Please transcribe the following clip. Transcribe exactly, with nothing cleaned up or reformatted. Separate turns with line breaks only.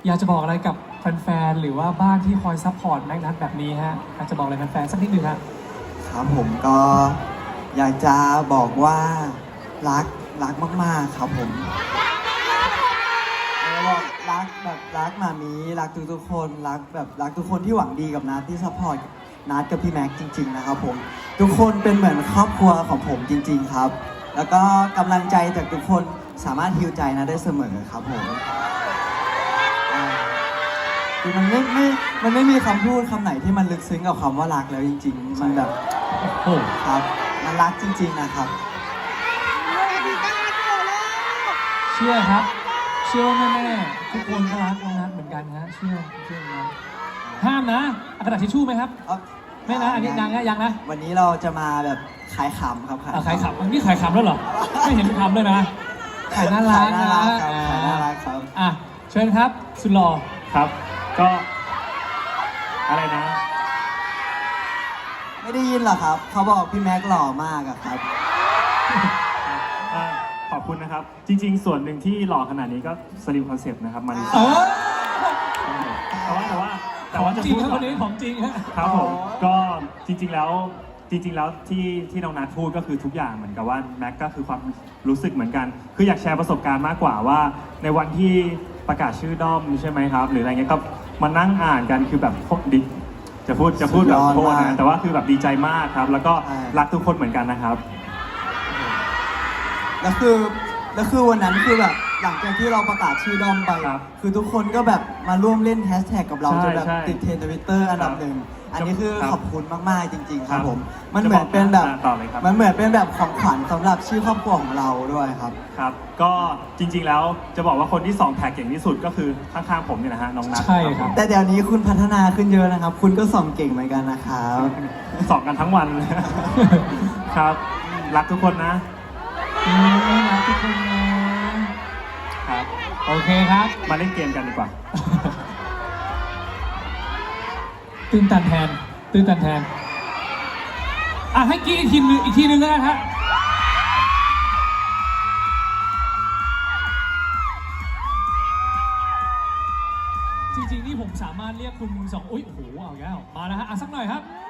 อยากจะบอกอะไรกับแฟนๆหรือว่าบ้านที่คอยซัพพอร์ตแม็กนัทแบบนี้ฮะอยากจะบอกอะไรแฟนๆสักนิดหนึ่งฮะ
ครับผมก็อยากจะบอกว่ารักรักมากๆครับผมบอกรักแบบรักมามีรักทุกๆคนรักแบบรักทุกคนที่หวังดีกับนัทที่ซัพพอร์ตนัทกับพี่แม็กจริงๆนะครับผมทุกคนเป็นเหมือนครอบครัวของผมจริงๆครับแล้วก็กำลังใจจากทุกคนสามารถฮีลใจนะได้เสมอครับผมคือมันไม่ไม่มันไม่มีคำพูดคำไหนที่มันลึกซึ้งกับคำว่ารักแล้วจริงๆมันแบบโอ้ครับมันรักจริงๆนะครับ
เชื่อครับเชื่อแม่ๆทุกคนก็รักน้องนัทเหมือนกันฮะเชื่อเชื่อนะห้ามนะเอากระดาษทิชชู่ไหมครับไม่นะอันนี้ยังนะยังนะ
วันนี้เราจะมาแบบขายขำครับ
ขายขำอันนี้ขายขำแล้วเหรอไม่เห็นขำเลยนะขายน่ารักนะ
ขายน่ารักครับ
อ่ะเชิญครับสุดหล่อ
ครับก็อะไรนะ
ไม่ได้ยินหรอครับเขาบอกพี่แม็กหล่อมากอะครับ
ขอบคุณนะครับจริงๆส่วนหนึ่งที่หล่อขนาดนี้ก็สลิมคอนเซ็ปต์นะครับมาริซาแต่ว่าแต่ว่าแต่ว่าจะพูด
คนนี้ของจริง
ครับผมก็จริงๆแล้วจริงๆแล้วที่ที่น้องนัทพูดก็คือทุกอย่างเหมือนกับว่าแม็กก็คือความรู้สึกเหมือนกันคืออยากแชร์ประสบการณ์มากกว่าว่าในวันที่ประกาศชื่อด้อมใช่ไหมครับหรืออะไรเงี้ยก็มานั่งอ่านกันคือแบบโคตรดิจะพูดจะพูดแบบโคตรนะแต่ว่าคือแบบดีใจมากครับแล้วก็รักทุกคนเหมือนกันนะครับ
แล้วคือแล้วคือวันนั้นคือแบบหลังจากที่เราประกาศชื่อด้อมไปคือทุกคนก็แบบมาร่วมเล่นแฮชแท็กกับเราจนแบบติดเทรนด์ทวิตเตอร์อันดับหนึ่งอันนี้คือขอบคุณมากๆจริงๆครับผมมันเหมือนเป็นแบบมันเหมือนเป็นแบบของขวัญสำหรับชื่อครอบครัวของเราด้วยครับ
ครับก็จริงๆแล้วจะบอกว่าคนที่สองแท็กเก่งที่สุดก็คือข้างๆผมเนี่ยนะฮะน้องนัท
ใช่ครับ
แต่เดี๋ยวนี้คุณพัฒนาขึ้นเยอะนะครับคุณก็ส่องเก่งเหมือนกันนะครับ
ส่องกันทั้งวันครับรักทุกคนนะ
รักทุกคนนะครับโอเคครับ
มาเล่นเกมกันดีกว่า
ตื่นตันแทนตื่นตันแทนอ่ะให้กี้อีกทีนึงอีกทีนึงแล้วกันฮะจริงๆนี่ผมสามารถเรียกคุณสองอุ้ยโอ้โหเอาแล้วมาแล้วฮะอ่ะสักหน่อยครับ